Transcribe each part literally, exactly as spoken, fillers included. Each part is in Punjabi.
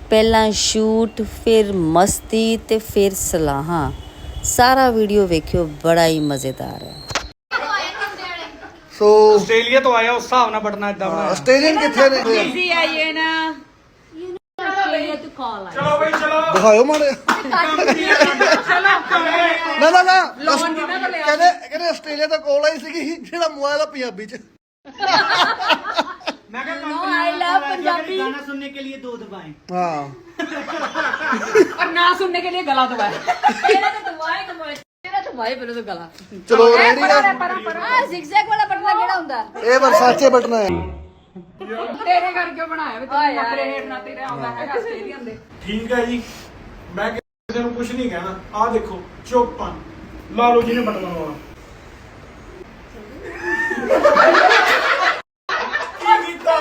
ਪਹਿਲਾਂ ਸ਼ੂਟ, ਫਿਰ ਮਸਤੀ ਤੇ ਫਿਰ ਸਲਾਹਾਂ। ਸਾਰਾ ਵੀਡੀਓ ਵੇਖਿਓ, ਬੜਾ ਹੀ ਮਜ਼ੇਦਾਰ ਹੈ। ਸੋ ਆਸਟ੍ਰੇਲੀਆ ਤੋਂ ਆਇਆ, ਉਸ ਹਿਸਾਬ ਨਾਲ ਬਟਨਾ ਇਦਾਂ ਬਣਾਇਆ। ਆਸਟ੍ਰੇਲੀਅਨ ਕਿੱਥੇ ਨੇ? इजी है ये ना ਚਲੋ ਬਈ ਚਲੋ। ਦਿਖਾਓ ਮਾੜੇ। ਨਾ ਨਾ ਨਾ ਕਹਿੰਦੇ ਕਹਿੰਦੇ ਆਸਟ੍ਰੇਲੀਆ ਤੋਂ ਕੋਲ ਆਈ ਸੀਗੀ ਜਿਹੜਾ ਮੋਬਾਈਲ ਆ ਪੰਜਾਬੀ ਚ। ਮੈਂ ਕਿਹਾ आई लव पंजाबी गाना सुनने के लिए दो दबाएं। ਹਾਂ और ना सुनने के लिए गला दबाए तेरा तो दबाए दबाए तेरा तो भाई पहले तो गला ਚਲੋ ਰੈਡੀ ਆ। हां zigzag वाला बटना केड़ा हुंदा ਇਹ ਵਰਸਾਚੇ ਬਟਨਾ ਹੈ। तेरे घर क्यों बनाया वे तू नखरे हेठ ना तेरे आਉਂਦਾ है ਆਸਟ੍ਰੇਲੀਅਨ ਦੇ। ਠੀਕ ਹੈ ਜੀ, ਮੈਂ ਕਿਸੇ ਨੂੰ ਕੁਝ ਨਹੀਂ ਕਹਿਣਾ। ਆਹ ਦੇਖੋ ਚੁੱਪਾਂ ਲਾ ਲਓ ਜਿਹਨੇ ਬਟਨਾ ਲਾਉਣਾ। ਕੀ ਕੀਤਾ?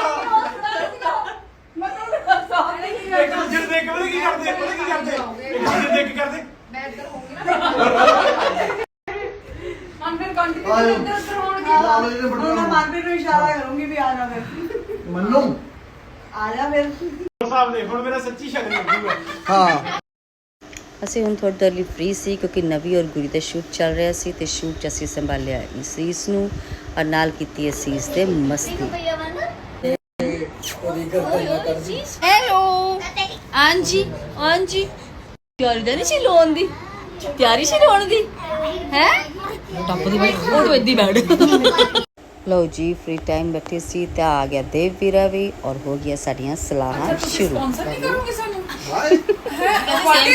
ਇੱਕ ਦੂਜੇ ਨੂੰ ਦੇਖ ਕੇ ਪਤਾ ਕੀ ਕਰਦੇ ਪਤਾ ਕੀ ਕਰਦੇ ਇੱਕ ਦੂਜੇ ਨੂੰ ਦੇਖ ਕੇ ਕਰਦੇ मैं इधर होंगी ना अंदर कंटिन्यू ਆਇਓ। इधर उधर होणगे ਲਾ ਲਓ ਜਿਹਨੇ ਬਟਨਾ ਲਾਉਣਾ। ਮਾਰਪੀਟ ਨੂੰ ਇਸ਼ਾਰਾ ਕਰੂੰਗੀ ਵੀ ਆ ਜਾ ਫਿਰ ਮੰਨੂ ਆ ਜਾ ਫਿਰ ਸਾਹਿਬ ਦੇ ਹੁਣ ਮੇਰਾ ਸੱਚੀ ਸ਼ੱਕ ਲੱਗੂਗਾ। ਹਾਂ ਅਸੀਂ ਹੁਣ ਥੋੜ੍ਹੀ ਦੇਰ ਲਈ ਫ੍ਰੀ ਸੀ ਕਿਉਂਕਿ ਨਵੀ ਔਰ ਗੁਰੀ ਦਾ ਸ਼ੂਟ ਚੱਲ ਰਿਹਾ ਸੀ ਤੇ ਸ਼ੂਟ 'ਚ ਅਸੀਂ ਸੰਭਾਲਿਆ ਅਸੀਸ ਨੂੰ ਔਰ ਨਾਲ ਕੀਤੀ ਅਸੀਸ ਦੇ ਮਸਤੀ। हेलो हाँ जी हाँ जी ਤਿਆਰੀ ਤਾਂ ਨਹੀਂ ਸੀ ਲੋਨ ਦੀ ਤਿਆਰੀ ਸੀ ਲੋਨ ਦੀ ਹੈ ਟੱਪ ਦੀ ਬੈਠ ਉਹ ਤੋਂ ਇੱਦੀ ਬੈਠ ਲਓ ਜੀ, ਫ੍ਰੀ ਟਾਈਮ ਬੈਠੇ ਸੀ ਤੇ ਆ ਗਿਆ ਦੇਵ ਵੀਰਾ ਵੀ ਔਰ ਹੋ ਗਿਆ ਸਾਡੀਆਂ ਸਲਾਹਾਂ ਸ਼ੁਰੂ। ਸਪਾਂਸਰ ਨਹੀਂ ਕਰੋਗੇ ਸਾਨੂੰ ਵਾਈ ਵਾਈ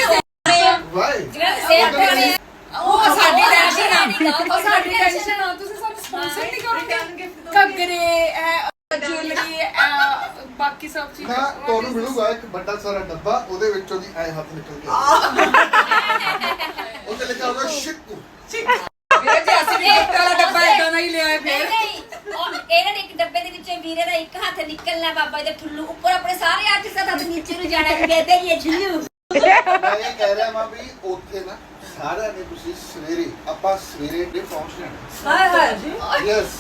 ਉਹ ਸਾਡੀ ਟੈਨਸ਼ਨ ਆ ਉਹ ਸਾਡੀ ਟੈਨਸ਼ਨ ਆ ਤੁਸੀਂ ਸਾਨੂੰ ਸਪਾਂਸਰ ਨਹੀਂ ਕਰੋਗੇ ਘੱਗਰੇ ਜੁਐਲਰੀ ਬਾਕੀ ਸਭ ਚੀਜ਼ਾਂ ਨਾ ਤੁਹਾਨੂੰ ਮਿਲੂਗਾ ਇੱਕ ਵੱਡਾ ਸਾਰਾ ਡੱਬਾ, ਉਹਦੇ ਵਿੱਚੋਂ ਦੀ ਐ ਹੱਥ ਨਿਕਲ ਕੇ ਉੱਤੇ ਲਿਖਿਆ ਹੋਗਾ ਸ਼ਿਕੂ। ਵੀਰੇ ਜੀ ਅਸੀਂ ਵੀ ਇੱਕ ਵਾਲਾ ਡੱਬਾ ਇਦਾਂ ਦਾ ਹੀ ਲਿਆਏ ਫਿਰ ਇਹਨਾਂ ਦੇ ਇੱਕ ਡੱਬੇ ਦੇ ਵਿੱਚੋਂ ਵੀਰੇ ਦਾ ਇੱਕ ਹੱਥ ਨਿਕਲਣਾ ਬਾਬਾ ਜੀ ਦਾ ਠੁੱਲੂ ਉੱਪਰ ਆਪਣੇ ਸਾਰੇ ਆਰਟਿਸਟ ਦਾ ਹੱਥ ਨੀਚੇ ਨੂੰ ਜਾਣਾ ਕਿ ਕਹਿੰਦੇ ਇਹ ਠੁੱਲੂ। ਮੈਂ ਇਹ ਕਹਿ ਰਿਹਾ ਮਾਂ ਵੀ ਉੱਥੇ ਨਾ ਸਾਰਿਆਂ ਨੇ ਤੁਸੀਂ ਸਵੇਰੇ ਆਪਾਂ ਸਵੇਰੇ ਦੇ ਪਹੁੰਚਣਾ। ਹਾਏ ਹਾਏ ਯੈਸ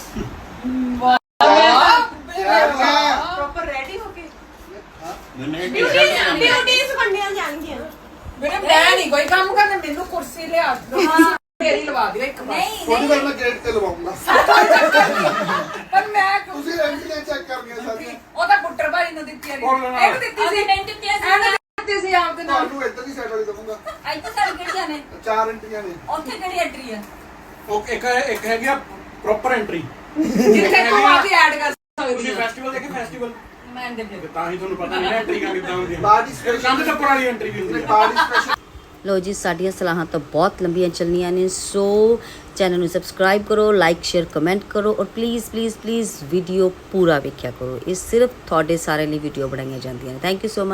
ਪ੍ਰੋਪਰ ਰੈਡੀ ਹੋ ਕੇ ਹਾਂ ਬਿਊਟੀਜ਼ ਬਣਨੀਆਂ ਜਾਣਗੀਆਂ ਵੀਰੇ ਮੈਂ ਨਹੀਂ ਕੋਈ ਕੰਮ ਕਰਨਾ ਮੈਨੂੰ ਕੁਰਸੀ ਲਿਆ ਤੇਰੀ ਲਵਾ ਦਿਓ ਇੱਕ ਵਾਰ ਥੋੜੀ ਵਾਰ ਮੈਂ ਗੇਟ ਤੇ ਲਵਾਉਂਗਾ। ਪਰ ਮੈਂ ਤੁਸੀਂ ਰੈਂਟੀਆਂ ਚੈੱਕ ਕਰਨੀਆਂ ਸਾਰੀਆਂ। ਉਹ ਤਾਂ ਪੁੱਟਰ ਭਾਈ ਨੂੰ ਦਿੱਤੀ ਆ ਇਹਨੂੰ ਦਿੱਤੀ ਸੀ ਅਸੀਂ ਦਿੱਤੀ ਸੀ ਇਹਨੂੰ ਦਿੱਤੀ ਸੀ ਆਪ ਦੇ ਨਾਲ ਤੁਹਾਨੂੰ ਇੱਧਰ ਦੀ ਸਾਈਡ ਵਾਲੀ ਦਵਾਂਗਾ। ਇੱਥੇ ਸਾਡੀ ਕਿਹੜੀਆਂ ਨੇ ਚਾਰ ਐਂਟਰੀਆਂ ਨੇ। ਉੱਥੇ ਕਿਹੜੀ ਐਂਟਰੀ ਆ? ਉਹ ਇੱਕ ਇੱਕ ਹੈਗੀ ਆ ਪ੍ਰੋਪਰ ਐਂਟਰੀ। ਜਿੱਥੇ ਤੂੰ ਆ ਕੇ ਐਡ ਕਰ ਸਕਦੀ ਤੁਸੀਂ ਹੈ ਫੈਸਟੀਵਲ ਦੇਖੇ ਫੈਸਟੀਵਲ ਮੈਂ ਦੇ ਦੇ ਤਾਂ ਹੀ ਤੁਹਾਨੂੰ ਪਤਾ ਨਹੀਂ ਨਾ ਐਂਟਰੀ ਕਿੱਦਾਂ ਹੁੰਦੀ ਹੈ। ਬਾਡੀ ਫਿਰ ਕੰਧ ਟੱਪਣ ਵਾਲੀ ਐਂਟਰੀ ਵੀ ਹੁੰਦੀ ਹੈ। Body special. ਲਓ ਜੀ, ਸਾਡੀਆਂ ਸਲਾਹਾਂ ਤਾਂ ਬਹੁਤ ਲੰਬੀਆਂ ਚੱਲਣੀਆਂ ਨੇ, ਸੋ ਚੈਨਲ ਨੂੰ ਸਬਸਕ੍ਰਾਈਬ ਕਰੋ, ਲਾਈਕ ਸ਼ੇਅਰ ਕਮੈਂਟ ਕਰੋ ਔਰ ਪਲੀਜ਼ ਪਲੀਜ਼ ਪਲੀਜ਼ ਵੀਡੀਓ ਪੂਰਾ ਵੇਖਿਆ ਕਰੋ। ਇਹ ਸਿਰਫ ਤੁਹਾਡੇ ਸਾਰੇ ਲਈ ਵੀਡੀਓ ਬਣਾਈਆਂ ਜਾਂਦੀਆਂ ਨੇ। Thank you so much.